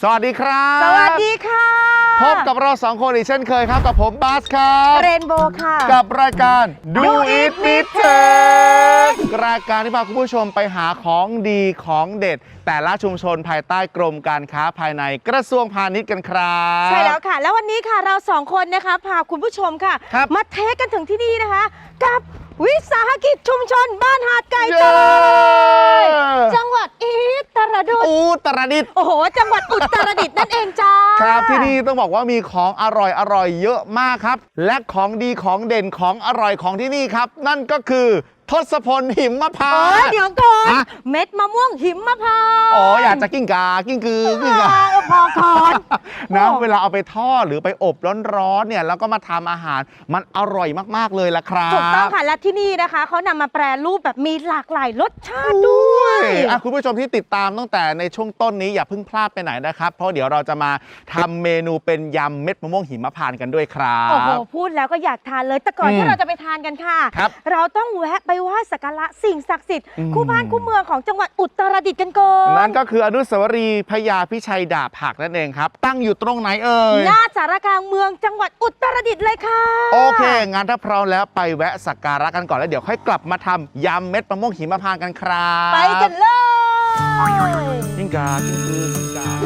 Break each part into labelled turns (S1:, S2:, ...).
S1: วัสดีครับ
S2: สวัสดีค่ะ
S1: พบกับเราสองคนอีกเช่นเคยครับกับผมบาสครับ
S2: เรนโบว์ค่ะ
S1: กับรายการดูอิทมิเทครายการที่พาคุณผู้ชมไปหาของดีของเด็ดแต่ละชุมชนภายใต้กรมการค้าภายในกระทรวงพาณิชย์กันครับ
S2: ใช่แล้วค่ะแล้ววันนี้ค่ะเราสองคนนะคะพาคุณผู้ชมค่ะมาเทคกันถึงที่นี่นะคะกับวิสาหกิจชุมชนบ้านหาดไก่ต้อยจังหวัดอุตรดิตถ์โอ้โหจังหวัดอุตรดิตถ์นั่นเองจ้า
S1: ครับที่นี่ต้องบอกว่ามีของอร่อยเยอะมากครับและของดีของเด่นของอร่อยของที่นี่ครับนั่นก็คือทศพลหิมพานต์
S2: เดี๋ยวก่อนเม็ดมะม่วงหิมพานต์
S1: อยากจะกิ้งกากิ้งกือ
S2: พอก่อน
S1: นะเวลาเอาไปทอดหรือไปอบร้อนๆเนี่ยแล้วก็มาทำอาหารมันอร่อยมากๆเลยล่ะครับ
S2: ถูกต้องค่ะและที่นี่นะคะเขานำมาแปรรูปแบบมีหลากหลายรสชาติด้วย
S1: คุณผู้ชมที่ติดตามตั้งแต่ในช่วงต้นนี้อย่าเพิ่งพลาดไปไหนนะครับเพราะเดี๋ยวเราจะมาทำเมนูเป็นยำเม็ดมะม่วงหิมพานต์กันด้วยครับ
S2: โอ้โหพูดแล้วก็อยากทานเลยแต่ก่อนที่เราจะไปทานกันค่ะเราต้องแวะไปไหว้สักการะสิ่งศักดิ์สิทธิ์คู่บ้านคู่เมืองของจังหวัดอุตรดิตถ์กันก่อน
S1: นั่นก็คืออนุสาวรีย์พญาพิชัยดาบหักนั่นเองครับตั้งอยู่ตรงไหนเอ่ย
S2: หน้าสารกลางเมืองจังหวัดอุตรดิตถ์เลยค่ะ
S1: โอเคงั้นถ้าพร้อมแล้วไปแวะสักการะกันก่อนแล้วเดี๋ยวค่อยกลับมาทำยำเม็ดมะม่วงหิมพานต์กันครับ
S2: ไปกันเลย
S1: กิ้งกากิ้งกือกิ้งกา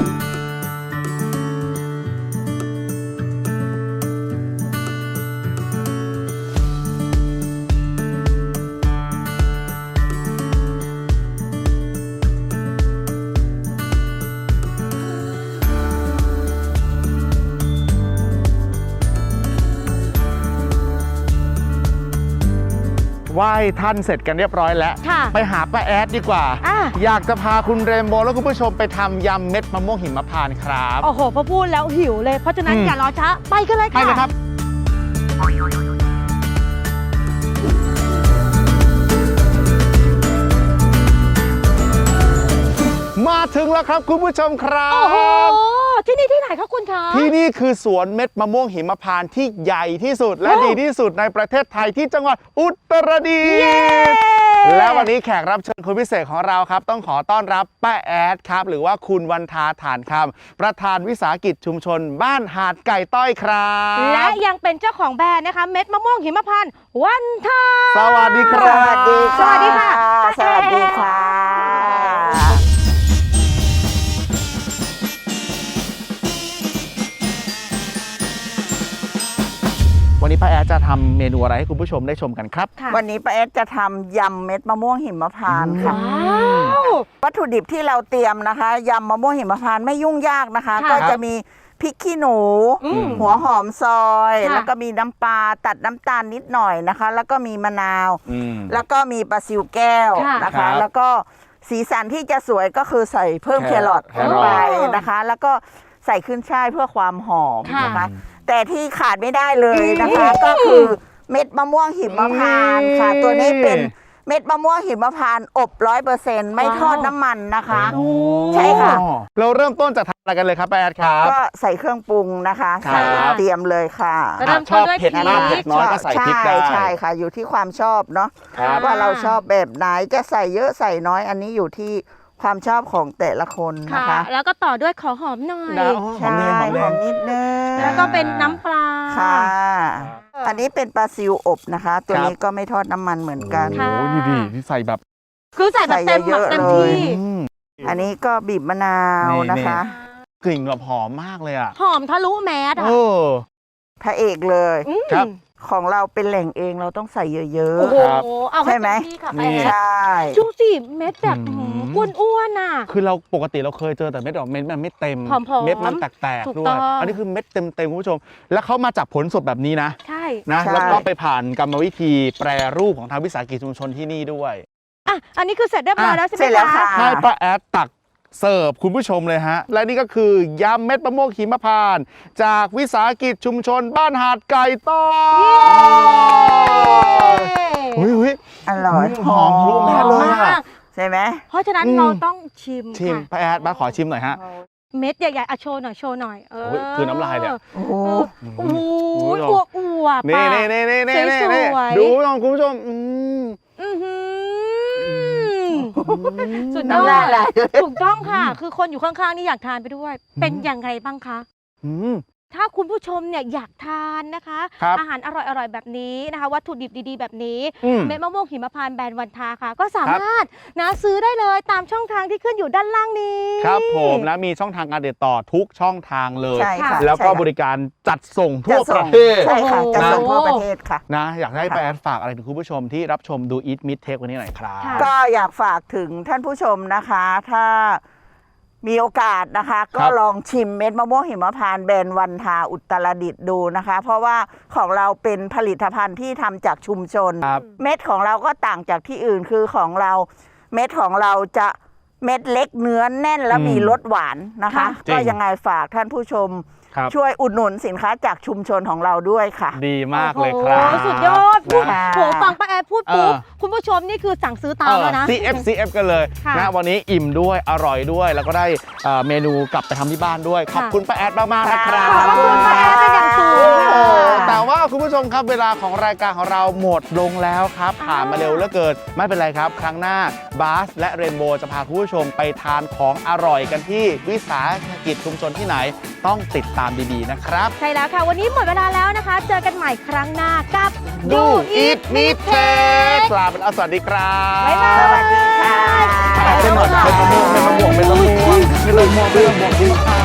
S1: ไหว้ท่านเสร็จกันเรียบร้อยแล้วไปหาป้าแอดดีกว่าอยากจะพาคุณเรนโบว์และคุณผู้ชมไปทำยำเม็ดมะม่วงหิมพานต์ครับ
S2: โอ้โหพอพูดแล้วหิวเลยเพราะฉะนั้นอย่ารอช้าไปกันเลยค่ะ
S1: ไปเลยครับมาถึงแล้วครับคุณผู้ชมครับ
S2: โอ้โหที่นี่ที่ไหนคะคุณคะ
S1: ที่นี่คือสวนเม็ดมะม่วงหิมพานต์ที่ใหญ่ที่สุดและดีที่สุดในประเทศไทยที่จังหวัดอุตรดิตถ์และวันนี้แขกรับเชิญคนพิเศษของเราครับต้องขอต้อนรับป้าแอดครับหรือว่าคุณวันทาฐานคำประธานวิสาหกิจชุมชนบ้านหาดไก่ต้อยครับ
S2: และยังเป็นเจ้าของแบรนด์นะคะเม็ดมะม่วงหิมพานต์วันทา
S1: สวัสดีครับ
S2: สวัสดีค่ะ
S3: สวัสดีค่ะ
S1: วันนี้ป้าแอดจะทำเมนูอะไรให้คุณผู้ชมได้ชมกันครับ
S3: วันนี้ป้าแอดจะทำยำเม็ดมะม่วงหิมพานต์ค่ะวัตถุดิบที่เราเตรียมนะคะยำมะม่วงหิมพานต์ไม่ยุ่งยากนะคะก็จะมีพริกขี้หนูหัวหอมซอยแล้วก็มีน้ำปลาตัดน้ำตาลนิดหน่อยนะคะแล้วก็มีมะนาวแล้วก็มีปลาซิวแก้วนะคะแล้วก็สีสันที่จะสวยก็คือใส่เพิ่มแครอทลงไปนะคะแล้วก็ใส่ขึ้นช่ายเพื่อความหอมนะคะแต่ที่ขาดไม่ได้เลยนะคะก็คือเม็ดมะม่วงหิมพานต์ค่ะตัวนี้เป็นเม็ดมะม่วงหิมพานต์อบ 100% ไม่ทอดน้ำมันนะคะใช่ค่ะ
S1: เราเริ่มต้นจากทำอะไรกันเลยครับป้าแอดครับ
S3: ก็ใส่เครื่องปรุงนะคะใส่เตรียมเลยค่ะ
S1: ชอบเผ็ดมากเผ็ดน้อยก็ใส่พริกได้
S3: ใช่ค่ะอยู่ที่ความชอบเนาะว่าเราชอบแบบไหนจะใส่เยอะใส่น้อยอันนี้อยู่ที่ความชอบของแต่ละคนนะคะ
S2: แล้วก็ต่อด้วยขอหอมหน่อย
S3: ใช่หอมนิดนึง
S2: แล้วก็เป็นน้ำปลา
S3: ค่ะอันนี้เป็นปลาซิวอบนะคะตัวนี้ก็ไม่ทอดน้ำมันเหมือนกัน
S1: โอ้ยดีที่ใส่แบบ
S2: คือใส่แบบเต็มที่
S3: อันนี้ก็บีบมะนาวนะคะ
S1: กลิ่นแบบหอมมากเลยอ่ะ
S2: หอมทะลุแมส
S3: พระเอกเลย
S1: ครับ
S3: ของเราเป็นแหล่งเองเราต้องใส่เยอะ
S2: ๆใช่ไหม
S3: ใช่
S2: ดูสิเม็ดแบบอ้วนๆน่ะ
S1: คือเราปกติเราเคยเจอแต่เม็ดเม็ดมันไม่เต็มเม็ดมันแตกๆด้วยอันนี้คือเม็ดเต็มคุณผู้ชมแล้วเขามาจากผลสดแบบนี้นะ
S2: ใช่
S1: นะแล้วก็ไปผ่านกรรมวิธีแปรรูปของทางวิสาหกิจชุมชนที่นี่ด้วย
S2: อันนี้คือเสร็จเรียบร้อยแล้วใช่ไหมคะ
S1: ให้ป้าแอดตักเสิร์ฟคุณผู้ชมเลยฮะและนี่ก็คือยำเม็ดมะม่วงหิมพานต์จากวิสาหกิจชุมชนบ้านหาดไก่ต้อย
S3: อร่อย
S1: หอมทะลุแมสเลย
S3: ใช่ไหม
S2: เพราะฉะนั้นเราต้องชิม
S1: ป้าแอดมาขอชิมหน่อยฮะ
S2: เม็ดใหญ่ๆโชว์หน่อย
S1: คือน้ำลายเลย
S2: โอ้โหอวบ
S1: นี่ดูคุณผู้ชม
S2: สุดยอ
S3: น้ำลายไหล
S2: ดถูกต้องค่ะ คือคนอยู่ข้างๆนี่อยากทานไปด้วย เป็นอย่างไรบ้างคะ
S1: อืม
S2: ถ้าคุณผู้ชมเนี่ยอยากทานนะคะ
S1: ครับ
S2: อาหารอร่อยๆแบบนี้นะคะ วัตถุดิบดีๆแบบนี้
S1: อืม
S2: เม็ดมะม่วงหิมพานต์แบรนด์วันทาค่ะ ก็สามารถนะซื้อได้เลยตามช่องทางที่ขึ้นอยู่ด้านล่างนี้
S1: ครับผมและมีช่องทางการติดต่อทุกช่องทางเลย
S3: ใช่ค่ะ
S1: แล้วก็
S3: ใช่ค่ะ
S1: บริการจัดส่งทั่
S3: จะ
S1: วป
S3: ส่
S1: ระ
S3: ง
S1: เทศ
S3: ใช่ค่ะ จะส่ง
S2: โอ้โห
S3: ทั่วประเทศค่ะ
S1: นะอยากให้
S3: ค่ะ
S1: ไปแอดฝากอะไรถึงคุณผู้ชมที่รับชมดู Eat Meet Take วันนี้หน่อยครับ
S2: ค่ะ
S3: ก็อยากฝากถึงท่านผู้ชมนะคะ ถ้ามีโอกาสนะคะ ก็ลองชิมเม็ดมะม่วงหิมพานต์แบรนด์วันทาอุตรดิตถ์ดูนะคะ เพราะว่าของเราเป็นผลิตภัณฑ์ที่ทำจากชุมชน
S1: ครับ
S3: เม็ดของเราก็ต่างจากที่อื่นคือของเราเม็ดของเราจะเม็ดเล็กเนื้อแน่นและมีรสหวานนะคะ
S1: จริง
S3: ก็ยังไงฝากท่านผู้ชม
S1: ครับ
S3: ช่วยอุดหนุนสินค้าจากชุมชนของเราด้วยค่ะ
S1: ดีมากเลยครับ
S2: โอ้โหสุดยอดพูด
S3: นะ
S2: โหฟังป้าแอดพูดปุ๊บ
S1: เออ
S2: คุณผู้ชมนี่คือสั่งซื้อตามแล้วนะ
S1: CF กันเลย
S2: ค่ะ
S1: นะวันนี้อิ่มด้วยอร่อยด้วย แล้วก็ได้เมนูกลับไปทำที่บ้านด้วย ขอบคุณป้าแอดมากๆนะครับ
S3: ขอบคุณป้าแอดเป็นอย่างสูง
S1: โอ้แต่ว่าคุณผู้ชมครับเวลาของรายการของเราหมดลงแล้วครับ ผ่านมาเร็วเหลือเกินไม่เป็นไรครับ ครั้งหน้าบาสและเรนโบว์จะพาคุณผู้ชมไปทานของอร่อยกันที่วิสาหกิจชุมชนที่ไหนต้องติดตามดีๆนะครับ
S2: ใช่แล้วค่ะ วันนี้หมดเวลาแล้วนะคะ เจอกันใหม่ครั้งหน้ากับ
S1: Do Eat Meet Take ลาไปแล้วสวัสดีครับ
S2: บ๊ายบาย
S3: สวัสดีค่ะ
S1: เป็นหน่อยเป็นมะม่วงเป็นมะม่วงเป็นมะม่วงเป็นมะม่วงเป็นมะม่วง